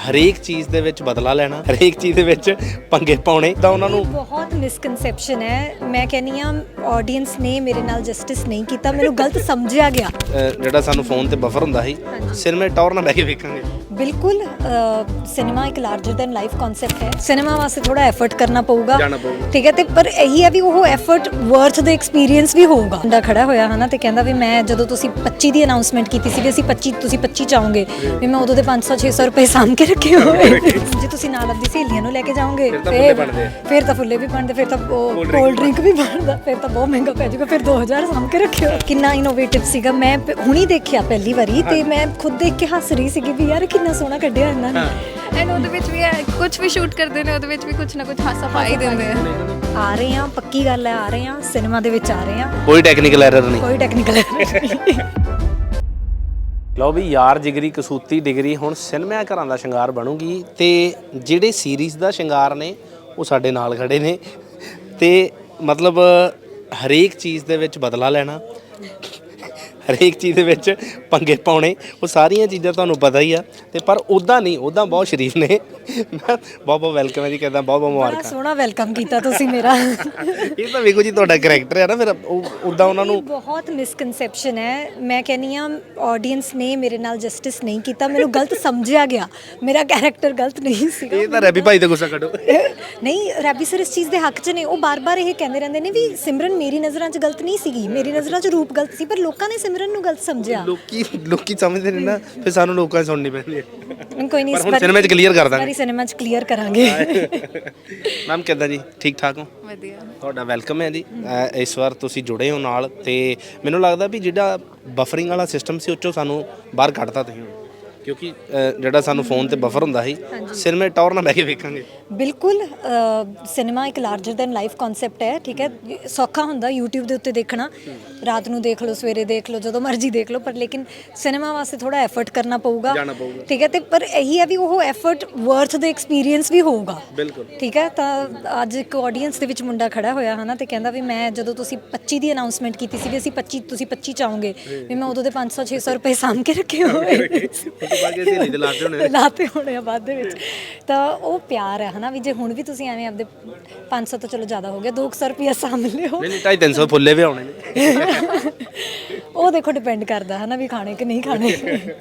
ਹਰੇਕ ਚੀਜ਼ ਦੇ ਵਿੱਚ ਬਦਲਾ ਲੈਣਾ, ਹਰੇਕ ਚੀਜ਼ ਦੇ ਵਿੱਚ ਪੰਗੇ ਪਾਉਣੇ ਤਾਂ ਉਹਨਾਂ ਨੂੰ ਬਹੁਤ ਮਿਸਕਨਸੈਪਸ਼ਨ ਹੈ। ਮੈਂ ਕਹਿੰਨੀ ਆ ਆਡੀਅנס ਨੇ ਮੇਰੇ ਨਾਲ ਜਸਟਿਸ ਨਹੀਂ ਕੀਤਾ, ਮੈਨੂੰ ਗਲਤ ਸਮਝਿਆ ਗਿਆ। ਜਿਹੜਾ ਸਾਨੂੰ ਫੋਨ ਤੇ ਬਫਰ ਹੁੰਦਾ ਸੀ ਸਿਨੇਮੇ ਟੌਰ ਨਾਲ ਬਹਿ ਕੇ ਵੇਖਾਂਗੇ। ਬਿਲਕੁਲ ਸਿਨੇਮਾ ਇੱਕ ਲਾਰਜਰ ਦੈਨ ਲਾਈਫ ਕਨਸੈਪਟ ਹੈ। ਸਿਨੇਮਾ ਵਾਸਤੇ ਥੋੜਾ ਐਫਰਟ ਕਰਨਾ ਪਊਗਾ, ਠੀਕ ਹੈ, ਤੇ ਪਰ ਇਹੀ ਹੈ ਵੀ ਉਹ ਐਫਰਟ ਵਰਥ ਦਾ ਐਕਸਪੀਰੀਅੰਸ ਵੀ ਹੋਊਗਾ। ਮੁੰਡਾ ਖੜਾ ਹੋਇਆ ਹਨਾ ਤੇ ਕਹਿੰਦਾ ਵੀ ਮੈਂ ਜਦੋਂ ਤੁਸੀਂ 25 ਦੀ ਅਨਾਉਂਸਮੈਂਟ ਕੀਤੀ ਸੀ ਵੀ ਅਸੀਂ 25 ਤੁਸੀਂ 25 ਚਾਹੋਗੇ ਵੀ ਮੈਂ ਉਦੋਂ ਦੇ 500-600 ਰੁਪਏ ਸਾਂਭ ਕੇ ਰੱਖੇ ਹੋਏ। ਜੇ ਤੁਸੀਂ ਨਾਲ ਆਪਦੀ ਸਹੇਲੀਆਂ ਨੂੰ ਲੈ ਕੇ ਜਾਓਗੇ ਫਿਰ ਤਾਂ ਫੁੱਲੇ ਵੀ ਬਣਦੇ, ਫਿਰ ਤਾਂ ਕੋਲਡ ਡਰਿੰਕ ਵੀ ਬਣਦਾ, ਫਿਰ ਤਾਂ ਬਹੁਤ ਮਹਿੰਗਾ ਪੈ ਜਾਊਗਾ, ਫਿਰ 2000 ਸਾਂਭ ਕੇ ਰੱਖਿਓ। ਕਿੰਨਾ ਇਨੋਵੇਟਿਵ ਸੀਗਾ। ਮੈਂ ਹੁਣੀ ਦੇਖਿਆ ਪਹਿਲੀ ਵਾਰੀ ਤੇ ਮੈਂ ਖੁਦ ਦੇਖ ਕੇ ਹੱਸ ਰਹੀ ਸੀਗੀ ਵੀ ਯਾਰ ਕਿੰਨਾ ਸੋਹਣਾ ਕੱਢਿਆ ਇਹਨਾਂ ਨੇ। ਐਂਡ ਉਹਦੇ ਵਿੱਚ ਵੀ ਕੁਝ ਵੀ ਸ਼ੂਟ ਕਰਦੇ ਨੇ, ਉਹਦੇ ਵਿੱਚ ਵੀ ਕੁਝ ਨਾ ਕੁਝ ਹਾਸਾ ਪਾ ਹੀ ਦਿੰਦੇ ਆ ਰਹੇ ਆ, ਪੱਕੀ ਗੱਲ ਹੈ, ਆ ਰਹੇ ਆ ਸਿਨੇਮਾ ਦੇ ਵਿੱਚ, ਆ ਰਹੇ ਆ, ਕੋਈ ਟੈਕਨੀਕਲ ਐਰਰ ਨਹੀਂ, ਕੋਈ ਟੈਕਨੀਕਲ ਐਰਰ ਨਹੀਂ। ਲਓ ਵੀ ਯਾਰ ਜਿਗਰੀ ਕਸੂਤੀ ਡਿਗਰੀ ਹੁਣ ਸਿਨੇਮਾ ਘਰਾਂ ਦਾ ਸ਼ਿੰਗਾਰ ਬਣੂਗੀ ਤੇ ਜਿਹੜੇ ਸੀਰੀਜ਼ ਦਾ ਸ਼ਿੰਗਾਰ ਨੇ ਉਹ ਸਾਡੇ ਨਾਲ ਖੜੇ ਨੇ ਤੇ ਮਤਲਬ ਹਰੇਕ ਚੀਜ਼ ਦੇ ਵਿੱਚ ਬਦਲਾ ਲੈਣਾ, ਹਰੇਕ ਚੀਜ਼ ਦੇ ਵਿੱਚ ਪੰਗੇ ਪਾਉਣੇ, ਉਹ ਸਾਰੀਆਂ ਚੀਜ਼ਾਂ ਤੁਹਾਨੂੰ ਪਤਾ ਹੀ ਆ ਤੇ ਪਰ ਉੱਦਾਂ ਨਹੀਂ, ਉੱਦਾਂ ਬਹੁਤ ਸ਼ਰੀਫ ਨੇ। ਮੈਂ ਬਹੁਤ ਬਹੁਤ ਵੈਲਕਮ ਹੈ ਜੀ, ਕਹਿੰਦਾ ਬਹੁਤ ਬਹੁਤ ਬੜਾ ਮੁਬਾਰਕਾਂ। ਸੋਹਣਾ ਵੈਲਕਮ ਕੀਤਾ ਤੁਸੀਂ ਮੇਰਾ। ਇਹ ਤਾਂ ਵੇਖੋ ਜੀ ਤੁਹਾਡਾ ਕਰੈਕਟਰ ਹੈ ਨਾ, ਫਿਰ ਉੱਦਾਂ ਉਹਨਾਂ ਨੂੰ ਬਹੁਤ ਮਿਸਕਨਸੈਪਸ਼ਨ ਹੈ। ਮੈਂ ਕਹਿੰਨੀ ਆ ਆਡੀਅנס ਨੇ ਮੇਰੇ ਨਾਲ ਜਸਟਿਸ ਨਹੀਂ ਕੀਤਾ, ਮੈਨੂੰ ਗਲਤ ਸਮਝਿਆ ਗਿਆ, ਮੇਰਾ ਕੈਰੈਕਟਰ ਗਲਤ ਨਹੀਂ ਸੀਗਾ। ਇਹ ਤਾਂ ਰੈਬੀ ਭਾਈ ਦਾ ਗੁੱਸਾ ਕੱਢੋ। ਨਹੀਂ, ਰੈਬੀ ਸਰ ਇਸ ਚੀਜ਼ ਦੇ ਹੱਕ 'ਚ ਨੇ। ਉਹ ਬਾਰ-ਬਾਰ ਇਹ ਕਹਿੰਦੇ ਰਹਿੰਦੇ ਨੇ ਵੀ ਸਿਮਰਨ ਮੇਰੀ ਨਜ਼ਰਾਂ 'ਚ ਗਲਤ ਨਹੀਂ ਸੀਗੀ, ਮੇਰੀ ਨਜ਼ਰਾਂ 'ਚ ਰੂਪ ਗਲਤ ਸੀ, ਪਰ ਲੋਕਾਂ ਨੇ ਸਿਮਰਨ ਨੂੰ ਗਲਤ ਸਮਝਿਆ। ਲੋਕੀ ਸਮਝਦੇ ਨੇ ਨਾ, ਫਿਰ ਸਾਨੂੰ ਲੋਕਾਂ ਦੀ ਸੁਣਨੀ ਪੈਂਦੀ ਹੈ। ਕੋਈ ਨਹੀਂ, ਪਰ ਹੁਣ ਸਿਨੇਮਾ 'ਚ ਕਲੀਅਰ ਕਰ ਦਾਂਗੇ, ਸਿਨੇਮਾ 'ਚ ਕਲੀਅਰ ਕਰਾਂਗੇ। ਮੈਮ ਕਿੱਦਾਂ ਜੀ, ਠੀਕ ਠਾਕ ਹੋ? ਵਧੀਆ। ਤੁਹਾਡਾ ਵੈਲਕਮ ਹੈ ਜੀ। ਇਸ ਵਾਰ ਤੁਸੀਂ ਜੁੜੇ ਹੋ ਨਾਲ ਤੇ ਮੈਨੂੰ ਲੱਗਦਾ ਵੀ ਜਿਹੜਾ ਬਫਰਿੰਗ ਵਾਲਾ ਸਿਸਟਮ ਸੀ ਉਹ 'ਚੋਂ ਸਾਨੂੰ ਬਾਹਰ ਕੱਢਤਾ ਤੁਸੀਂ, ਕਿਉਂਕਿ ਜਿਹੜਾ ਸਾਨੂੰ ਫੋਨ ਤੇ ਬਫਰ ਹੁੰਦਾ ਸੀ ਸਿਨੇਮੇ ਟੌਰ ਨਾਲ ਬਹਿ ਕੇ ਵੇਖਾਂਗੇ। ਬਿਲਕੁਲ ਸਿਨੇਮਾ ਇੱਕ ਲਾਰਜਰ ਦੈਨ ਲਾਈਫ ਕਨਸੈਪਟ ਹੈ, ਠੀਕ ਹੈ। ਸੌਖਾ ਹੁੰਦਾ YouTube ਦੇ ਉੱਤੇ ਦੇਖਣਾ, ਰਾਤ ਨੂੰ ਦੇਖ ਲਓ, ਸਵੇਰੇ ਦੇਖ ਲਓ, ਜਦੋਂ ਮਰਜ਼ੀ ਦੇਖ ਲਓ, ਪਰ ਲੇਕਿਨ ਸਿਨੇਮਾ ਵਾਸਤੇ ਥੋੜਾ ਐਫਰਟ ਕਰਨਾ ਪਊਗਾ, ਠੀਕ ਹੈ, ਤੇ ਪਰ ਇਹੀ ਹੈ ਵੀ ਉਹ ਐਫਰਟ ਵਰਥ ਦਾ ਐਕਸਪੀਰੀਅੰਸ ਵੀ ਹੋਊਗਾ। ਬਿਲਕੁਲ, ਠੀਕ ਹੈ। ਤਾਂ ਅੱਜ ਇੱਕ ਆਡੀਅנס ਦੇ ਵਿੱਚ ਮੁੰਡਾ ਖੜਾ ਹੋਇਆ ਹਨਾ ਤੇ ਕਹਿੰਦਾ ਵੀ ਮੈਂ ਜਦੋਂ ਤੁਸੀਂ 25 ਦੀ ਅਨਾਉਂਸਮੈਂਟ ਕੀਤੀ ਸੀ ਵੀ ਅਸੀਂ 25 ਤੁਸੀਂ 25 ਚਾਹੋਗੇ ਵੀ ਮੈਂ ਉਦੋਂ ਦੇ 500-600 ਰੁਪਏ ਸਾਂਭ ਕੇ ਰੱਖੇ ਹੋਏ ਲਾਤੇ ਹੋਣੇ ਆ ਬਾਅਦ ਦੇ ਵਿੱਚ। ਤਾਂ ਉਹ ਪਿਆਰ ਹੈ ਹਨਾ ਵੀ ਜੇ ਹੁਣ ਵੀ ਤੁਸੀਂ ਐਵੇਂ ਆਪਦੇ 500 ਤੋਂ ਚਲੋ ਜ਼ਿਆਦਾ ਹੋ ਗਿਆ, 200 ਰੁਪਇਆ ਸਾਂਭ ਲਿਓ। ਨਹੀਂ 250-300 ਫੁੱਲੇ ਵੀ ਆਉਣੇ ਨੇ। ਉਹ ਦੇਖੋ ਡਿਪੈਂਡ ਕਰਦਾ ਹਨਾ ਵੀ ਖਾਣੇ ਕਿ ਨਹੀਂ ਖਾਣੇ।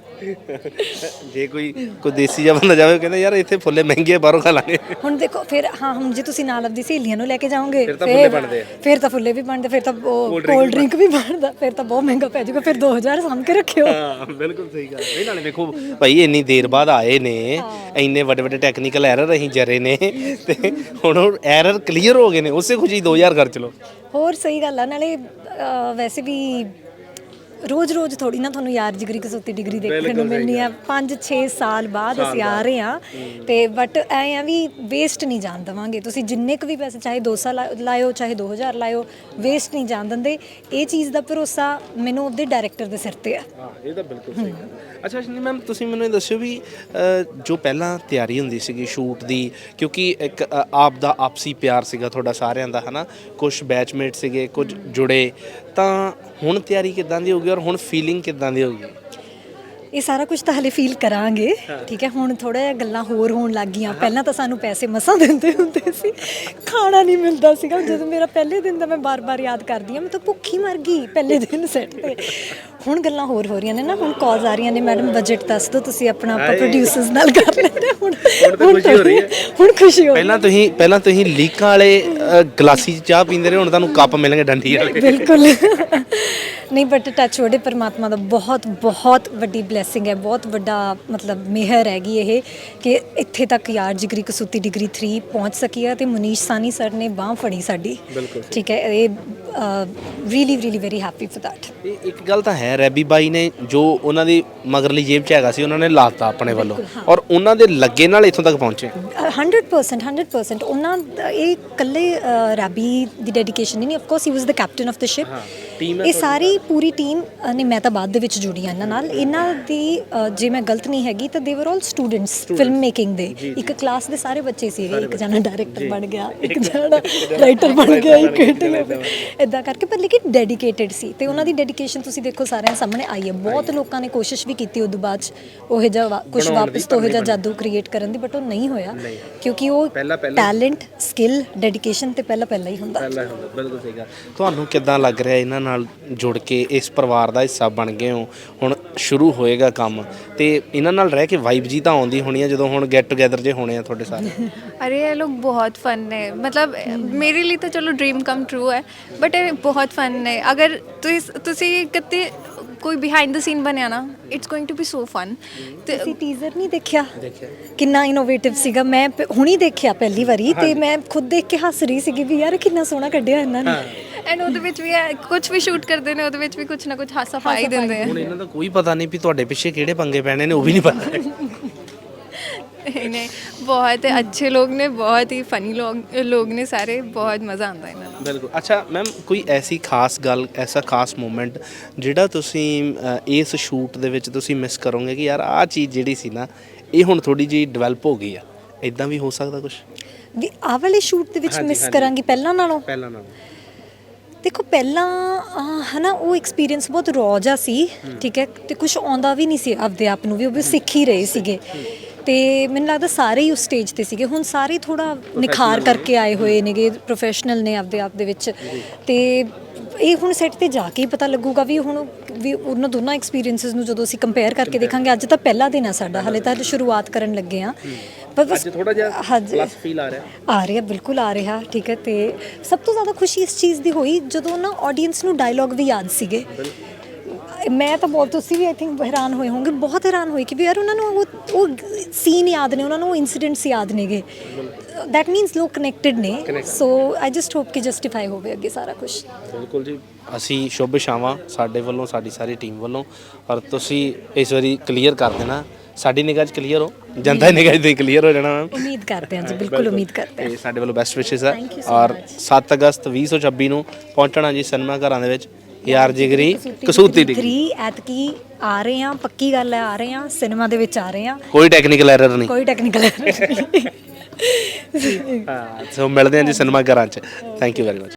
ਜੇ ਕੋਈ ਦੇਸੀ ਜਿਹਾ ਬੰਦਾ ਜਾਵੇ ਕਹਿੰਦਾ ਯਾਰ ਇੱਥੇ ਫੁੱਲੇ ਮਹਿੰਗੇ ਆ, ਬਾਹਰੋਂ ਖਾ ਲਾਂਗੇ। ਹੁਣ ਦੇਖੋ ਫਿਰ ਹਾਂ, ਹੁਣ ਜੇ ਤੁਸੀਂ ਨਾਲ ਆਪਦੀ ਸਹੇਲੀਆਂ ਨੂੰ ਲੈ ਕੇ ਜਾਓਗੇ ਫਿਰ ਤਾਂ ਫੁੱਲੇ ਵੀ ਬਣਦੇ, ਫਿਰ ਤਾਂ ਕੋਲਡ ਡਰਿੰਕ ਵੀ ਬਣਦਾ, ਫਿਰ ਤਾਂ ਬਹੁਤ ਮਹਿੰਗਾ ਪੈ ਜਾਊਗਾ, ਫਿਰ 2000 ਸਾਂਭ ਕੇ ਰੱਖਿਓ। ਹਾਂ ਬਿਲਕੁਲ ਸਹੀ ਗੱਲ ਹੈ। ਨਾਲੇ ਵੇਖੋ ਭਾਈ ਇੰਨੀ ਦੇਰ ਬਾਅਦ ਆਏ ਨੇ, ਇੰਨੇ ਵੱਡੇ ਵੱਡੇ ਟੈਕਨੀਕਲ ਐਰਰ ਅਸੀਂ ਜਰੇ ਨੇ ਤੇ ਹੁਣ ਉਹ ਐਰਰ ਕਲੀਅਰ ਹੋ ਗਏ ਨੇ, ਉਸੇ ਖੁਸ਼ੀ 2000 ਖਰਚ ਲਓ। ਹੋਰ ਸਹੀ ਗੱਲ ਆ। ਨਾਲੇ ਵੈਸੇ ਵੀ ਰੋਜ਼ ਥੋੜੀ ਨਾ ਤੁਹਾਨੂੰ ਯਾਰ ਜਿਗਰੀ ਕਸੂਤੀ ਡਿਗਰੀ ਦੇਖਣ ਨੂੰ ਮਿਲਣੀ ਆ। 5-6 ਸਾਲ ਬਾਅਦ ਅਸੀਂ ਆ ਰਹੇ ਹਾਂ ਤੇ ਬਟ ਐ ਆ ਵੀ ਵੇਸਟ ਨਹੀਂ ਜਾਣ ਦੇਵਾਂਗੇ। ਤੁਸੀਂ ਜਿੰਨੇ ਕੁ ਵੀ ਪੈਸੇ ਚਾਹੇ 200 ਲਾਇਓ ਚਾਹੇ 2000 ਲਾਇਓ, ਵੇਸਟ ਨਹੀਂ ਜਾਣ ਦਿੰਦੇ। ਇਹ ਚੀਜ਼ ਦਾ ਭਰੋਸਾ ਮੈਨੂੰ ਉਹਦੇ ਡਾਇਰੈਕਟਰ ਦੇ ਸਿਰ ਤੇ ਆ। ਹਾਂ ਇਹ ਤਾਂ ਬਿਲਕੁਲ ਸਹੀ ਗੱਲ। ਅੱਛਾ ਸ਼ਨੀ ਮੈਮ, ਤੁਸੀਂ ਮੈਨੂੰ ਇਹ ਦੱਸਿਓ ਵੀ ਜੋ ਪਹਿਲਾਂ ਤਿਆਰੀ ਹੁੰਦੀ ਸੀਗੀ ਸ਼ੂਟ ਦੀ, ਕਿਉਂਕਿ ਇੱਕ ਆਪ ਦਾ ਆਪਸੀ ਪਿਆਰ ਸੀਗਾ ਤੁਹਾਡਾ ਸਾਰਿਆਂ ਦਾ, ਹੈ ਨਾ, ਕੁਝ ਬੈਚਮੇਟ ਸੀਗੇ, ਕੁਝ ਜੁੜੇ, ਤਾਂ ਹੁਣ ਤਿਆਰੀ ਕਿੱਦਾਂ ਦੀ ਹੋਊਗੀ ਔਰ ਹੁਣ ਫੀਲਿੰਗ ਕਿੱਦਾਂ ਦੀ ਹੋਊਗੀ? ਇਹ ਸਾਰਾ ਕੁਝ ਤਾਂ ਹਲੇ ਫੀਲ ਕਰਾਂਗੇ, ਠੀਕ ਹੈ। ਹੁਣ ਥੋੜਾ ਜਿਹਾ ਗੱਲਾਂ ਹੋਰ ਹੋਣ ਲੱਗ ਗਈਆਂ। ਪਹਿਲਾਂ ਤਾਂ ਸਾਨੂੰ ਪੈਸੇ ਮਸਾਂ ਦਿੰਦੇ ਹੁੰਦੇ ਸੀ, ਖਾਣਾ ਨਹੀਂ ਮਿਲਦਾ ਸੀਗਾ। ਜਦੋਂ ਮੇਰਾ ਪਹਿਲੇ ਦਿਨ ਦਾ ਮੈਂ ਬਾਰ-ਬਾਰ ਯਾਦ ਕਰਦੀ ਹਾਂ, ਮੈਂ ਤਾਂ ਭੁੱਖੀ ਮਰ ਗਈ ਪਹਿਲੇ ਦਿਨ ਸੈੱਟ ਤੇ। ਹੁਣ ਗੱਲਾਂ ਹੋਰ ਹੋ ਰਹੀਆਂ ਨੇ ਨਾ, ਹੁਣ ਕਾਲਸ ਆ ਰਹੀਆਂ ਨੇ, ਮੈਡਮ ਬਜਟ ਦੱਸ ਦਿਓ ਤੁਸੀਂ ਆਪਣਾ, ਆਪਾਂ ਪ੍ਰੋਡਿਊਸਰਸ ਨਾਲ ਕਰ ਲੈਂਦੇ। ਹੁਣ ਖੁਸ਼ੀ ਹੋ ਰਹੀ ਹੈ, ਹੁਣ ਖੁਸ਼ੀ ਹੋ ਰਹੀ ਹੈ। ਪਹਿਲਾਂ ਤੁਸੀਂ ਲੀਕਾਂ ਵਾਲੇ ਗਲਾਸੀ 'ਚ ਚਾਹ ਪੀਂਦੇ ਰਹੇ, ਹੁਣ ਤੁਹਾਨੂੰ ਕੱਪ ਮਿਲਣਗੇ ਡੰਡੀ ਵਾਲੇ। ਬਿਲਕੁਲ ਨਹੀਂ, ਬਟ ਟੱਚ ਵੁੱਡ ਪਰਮਾਤਮਾ ਦਾ ਬਹੁਤ ਵੱਡੀ ਬਲੈਸਿੰਗ ਹੈ, ਬਹੁਤ ਵੱਡਾ ਮਤਲਬ ਮਿਹਰ ਹੈਗੀ ਇਹ ਕਿ ਇੱਥੇ ਤੱਕ ਯਾਰ ਜਿਗਰੀ ਕਸੂਤੀ ਡਿਗਰੀ 3 ਪਹੁੰਚ ਸਕੀ ਹੈ ਤੇ ਮਨੀਸ਼ ਸਾਨੀ ਸਰ ਨੇ ਬਾਂਹ ਫੜੀ ਸਾਡੀ, ਠੀਕ ਹੈ। ਇਹ really very happy for that. ਇੱਕ ਗੱਲ ਤਾਂ ਹੈ, ਰੈਬੀ ਬਾਈ ਨੇ ਜੋ ਉਹਨਾਂ ਦੀ ਮਗਰਲੀ ਜੇਬ 'ਚ ਹੈਗਾ ਸੀ ਉਹਨਾਂ ਨੇ ਲਾਤਾ ਆਪਣੇ ਵੱਲੋਂ, ਔਰ ਉਹਨਾਂ ਦੇ ਲੱਗੇ ਨਾਲ ਇੱਥੋਂ ਤੱਕ ਪਹੁੰਚੇ। 100% ਉਹਨਾਂ ਇਹ ਇਕੱਲੇ ਰੈਬੀ ਦੀ ਡੈਡੀਕੇਸ਼ਨ ਨਹੀਂ, ਆਫ ਕੋਰਸ ਹੀ was the captain of the ship. ਇਹ ਸਾਰੀ ਪੂਰੀ ਟੀਮ ਨੇ, ਮੈਂ ਤਾਂ ਬਾਅਦ ਦੇ ਵਿੱਚ ਜੁੜੀ ਹਾਂ ਇਹਨਾਂ ਨਾਲ। ਇਹਨਾਂ ਦੀ ਜੇ ਮੈਂ ਗਲਤ ਨਹੀਂ ਹੈਗੀ ਤਾਂ ਦੇ ਵਰ ਆਲ ਸਟੂਡੈਂਟਸ ਫਿਲਮ ਮੇਕਿੰਗ ਦੇ। ਇੱਕ ਕਲਾਸ ਦੇ ਸਾਰੇ ਬੱਚੇ ਸੀਗੇ, ਇੱਕ ਜਣਾ ਡਾਇਰੈਕਟਰ ਬਣ ਗਿਆ, ਇੱਕ ਜਣਾ ਰਾਈਟਰ ਬਣ ਗਿਆ, ਇੱਕ ਇਦਾਂ ਕਰਕੇ, ਪਰ ਲੇਕਿਨ ਡੈਡੀਕੇਟਿਡ ਸੀ ਤੇ ਉਹਨਾਂ ਦੀ ਡੈਡੀਕੇਸ਼ਨ ਤੁਸੀਂ ਦੇਖੋ ਸਾਰਿਆਂ ਸਾਹਮਣੇ ਆਈ ਹੈ। ਬਹੁਤ ਲੋਕਾਂ ਨੇ ਕੋਸ਼ਿਸ਼ ਵੀ ਕੀਤੀ ਉਦੋਂ ਬਾਅਦ 'ਚ ਉਹ ਜਿਹਾ ਕੁਝ ਵਾਪਸ ਤੋਂ ਉਹ ਜਿਹਾ ਜਾਦੂ ਕ੍ਰੀਏਟ ਕਰਨ ਦੀ, ਬਟ ਉਹ ਨਹੀਂ ਹੋਇਆ ਕਿਉਂਕਿ ਉਹ ਟੈਲੈਂਟ, ਸਕਿੱਲ, ਡੈਡੀਕੇਸ਼ਨ ਤੇ ਪਹਿਲਾਂ ਹੀ ਹੁੰਦਾ। ਬਿਲਕੁਲ ਸਹੀ ਗੱਲ। ਤੁਹਾਨੂੰ ਕਿੱਦਾਂ ਲੱਗ ਰਿਹਾ ਇਹਨਾਂ ਨਾਲ ਜੁੜ ਕੇ, ਇਸ ਪਰਿਵਾਰ ਦਾ ਹਿੱਸਾ ਬਣ ਗਏ ਹੋ, ਹੁਣ ਸ਼ੁਰੂ ਹੋਏਗਾ ਕੰਮ ਤੇ ਇਹਨਾਂ ਨਾਲ ਰਹਿ ਕੇ ਵਾਈਬ ਜੀ ਤਾਂ ਆਉਂਦੀ ਹੋਣੀ ਹੈ ਜਦੋਂ ਹੁਣ ਗੈਟ ਟੂਗੇਦਰ ਜੇ ਹੋਣੇ ਆ ਤੁਹਾਡੇ ਸਾਰੇ? अरे ये लोग बहुत फ़न है, मतलब मेरे लिए तो चलो ड्रीम कम ट्रू है, बट ये बहुत फ़न है। अगर तुसी कितने कोई बिहाइंड द सीन बनया ना, it's going to be so fun. ਤੁਸੀਂ ਟੀਜ਼ਰ ਨਹੀਂ ਦੇਖਿਆ? ਕਿੰਨਾ ਇਨੋਵੇਟਿਵ ਸੀਗਾ। ਮੈਂ ਹੁਣੀ ਦੇਖਿਆ ਪਹਿਲੀ ਵਾਰੀ ਤੇ ਮੈਂ ਖੁਦ ਦੇਖ ਕੇ ਹੱਸ ਰਹੀ ਸੀਗੀ ਵੀ ਯਾਰ ਕਿੰਨਾ ਸੋਹਣਾ ਕੱਢਿਆ ਇਹਨਾਂ ਨੇ। ਐਂਡ ਉਹਦੇ ਵਿੱਚ ਵੀ ਕੁਝ ਵੀ ਸ਼ੂਟ ਕਰਦੇ ਨੇ, ਉਹਦੇ ਵਿੱਚ ਵੀ ਕੁਝ ਨਾ ਕੁਝ ਹਾਸਾ ਪਾ ਹੀ ਦਿੰਦੇ ਆ। ਹੁਣ ਇਹਨਾਂ ਦਾ ਕੋਈ ਪਤਾ ਨਹੀਂ ਵੀ ਤੁਹਾਡੇ ਪਿੱਛੇ ਕਿਹੜੇ ਪੰਗੇ ਪੈਣੇ ਨੇ, ਉਹ ਵੀ ਨਹੀਂ ਪਤਾ। नहीं, बहुत अच्छे लोग ने, बहुत ही फनी लोग ने सारे, बहुत मज़ा आता है इन्हां नाल। ਬਿਲਕੁਲ। ਅੱਛਾ ਮੈਮ, ਕੋਈ ਐਸੀ ਖਾਸ ਗੱਲ, ਐਸਾ ਖਾਸ ਮੂਮੈਂਟ ਜਿਹੜਾ ਤੁਸੀਂ ਇਸ ਸ਼ੂਟ ਦੇ ਵਿੱਚ ਤੁਸੀਂ ਮਿਸ ਕਰੋਗੇ ਕਿ ਯਾਰ ਆਹ ਚੀਜ਼ ਜਿਹੜੀ ਸੀ ਨਾ ਇਹ ਹੁਣ ਥੋੜੀ ਜਿਹੀ ਡਿਵੈਲਪ ਹੋ ਗਈ ਆ, ਇਦਾਂ ਵੀ ਹੋ ਸਕਦਾ ਕੁਝ? ਵੀ ਆਹ ਵਾਲੇ ਸ਼ੂਟ ਦੇ ਵਿੱਚ ਮਿਸ ਕਰਾਂਗੀ ਪਹਿਲਾਂ ਨਾਲੋਂ? ਦੇਖੋ ਪਹਿਲਾਂ ਹਨਾ ਉਹ ਐਕਸਪੀਰੀਅੰਸ ਬਹੁਤ ਰੌ ਜਿਹਾ ਸੀ, ਠੀਕ ਹੈ, ਤੇ ਕੁਝ ਆਉਂਦਾ ਵੀ ਨਹੀਂ ਸੀ ਆਪਦੇ ਆਪ ਨੂੰ ਵੀ, ਉਹ ਵੀ ਸਿੱਖ ਹੀ ਰਹੇ ਸੀਗੇ। ਤੇ ਮੈਨੂੰ ਲੱਗਦਾ ਸਾਰੇ ਹੀ ਉਸ ਸਟੇਜ ਤੇ ਸੀਗੇ। ਹੁਣ ਸਾਰੇ ਥੋੜਾ ਨਿਖਾਰ ਕਰਕੇ ਆਏ ਹੋਏ ਨੇਗੇ, ਪ੍ਰੋਫੈਸ਼ਨਲ ਨੇ ਆਪਦੇ ਆਪ ਦੇ ਵਿੱਚ। ਤੇ ਇਹ ਹੁਣ ਸੈੱਟ ਤੇ ਜਾ ਕੇ ਹੀ ਪਤਾ ਲੱਗੂਗਾ ਵੀ ਹੁਣ ਵੀ ਉਹਨਾਂ ਦੋਨਾਂ ਐਕਸਪੀਰੀਅੰਸਸ ਨੂੰ ਜਦੋਂ ਅਸੀਂ ਕੰਪੇਅਰ ਕਰਕੇ ਦੇਖਾਂਗੇ। ਅੱਜ ਤਾਂ ਪਹਿਲਾ ਦਿਨ ਆ ਸਾਡਾ, ਹਾਲੇ ਤਾਂ ਸ਼ੁਰੂਆਤ ਕਰਨ ਲੱਗੇ ਆ, ਪਰ ਬਸ ਥੋੜਾ ਜਿਹਾ ਪਲੱਸ ਫੀਲ ਆ ਰਿਹਾ, ਬਿਲਕੁਲ ਆ ਰਿਹਾ, ਠੀਕ ਹੈ। ਤੇ ਸਭ ਤੋਂ ਜ਼ਿਆਦਾ ਖੁਸ਼ੀ ਇਸ ਚੀਜ਼ ਦੀ ਹੋਈ ਜਦੋਂ ਨਾ ਆਡੀਅנס ਨੂੰ ਡਾਇਲੌਗ ਵੀ ਯਾਦ ਸੀਗੇ। ਮੈਂ ਤਾਂ ਬਹੁਤ, ਤੁਸੀਂ ਵੀ ਆਈ ਥਿੰਕ ਹੈਰਾਨ ਹੋਏ ਹੋਵੋਗੇ, ਬਹੁਤ ਹੈਰਾਨ ਹੋਏ ਕਿ ਵੀ ਯਾਰ ਉਹਨਾਂ ਨੂੰ ਉਹ ਸੀਨ ਯਾਦ ਨੇ, ਉਹਨਾਂ ਨੂੰ ਉਹ ਇਨਸੀਡੈਂਟਸ ਯਾਦ ਨੇਗੇ। ਦੈਟ ਮੀਨਸ ਲੋਕ ਕਨੈਕਟਡ ਨੇ। ਸੋ ਆਈ ਜਸਟ ਹੋਪ ਕਿ ਜਸਟੀਫਾਈ ਹੋਵੇ ਅੱਗੇ ਸਾਰਾ ਕੁਝ। ਬਿਲਕੁਲ ਜੀ, ਅਸੀਂ ਸ਼ੁਭ ਇਛਾਵਾਂ ਸਾਡੇ ਵੱਲੋਂ, ਸਾਡੀ ਸਾਰੀ ਟੀਮ ਵੱਲੋਂ। ਔਰ ਤੁਸੀਂ ਇਸ ਵਾਰੀ ਕਲੀਅਰ ਕਰ ਦੇਣਾ, ਸਾਡੀ ਨਿਗਾਹ 'ਚ ਕਲੀਅਰ ਹੋ, ਜਨਤਾ ਦੀ ਨਿਗਾਹ 'ਚ ਕਲੀਅਰ ਹੋ ਜਾਣਾ ਮੈਮ। ਉਮੀਦ ਕਰਦੇ ਹਾਂ ਜੀ, ਬਿਲਕੁਲ ਉਮੀਦ ਕਰਦੇ ਹਾਂ। ਸਾਡੇ ਵੱਲੋਂ ਬੈਸਟ ਵਿਸ਼ੇਸ ਹੈ। ਔਰ 7 ਅਗਸਤ 2026 ਨੂੰ ਪਹੁੰਚਣਾ ਜੀ ਸਿਨੇਮਾ ਘਰਾਂ ਦੇ ਵਿੱਚ ਯਾਰ ਜਿਗਰੀ ਕਸੂਤੀ ਡਿਗਰੀ। ਐਤਕੀ ਆ ਰਹੇ ਹਾਂ, ਪੱਕੀ ਗੱਲ ਹੈ, ਆ ਰਹੇ ਹਾਂ ਸਿਨੇਮਾ ਦੇ ਵਿੱਚ, ਆ ਰਹੇ ਹਾਂ, ਕੋਈ ਟੈਕਨੀਕਲ ਐਰਰ ਨਹੀਂ, ਕੋਈ ਟੈਕਨੀਕਲ ਐਰਰ ਨਹੀਂ। ਹਾਂ। ਸੋ ਮਿਲਦੇ ਹਾਂ ਜੀ ਸਿਨੇਮਾ ਘਰਾਂ 'ਚ। Thank you very much.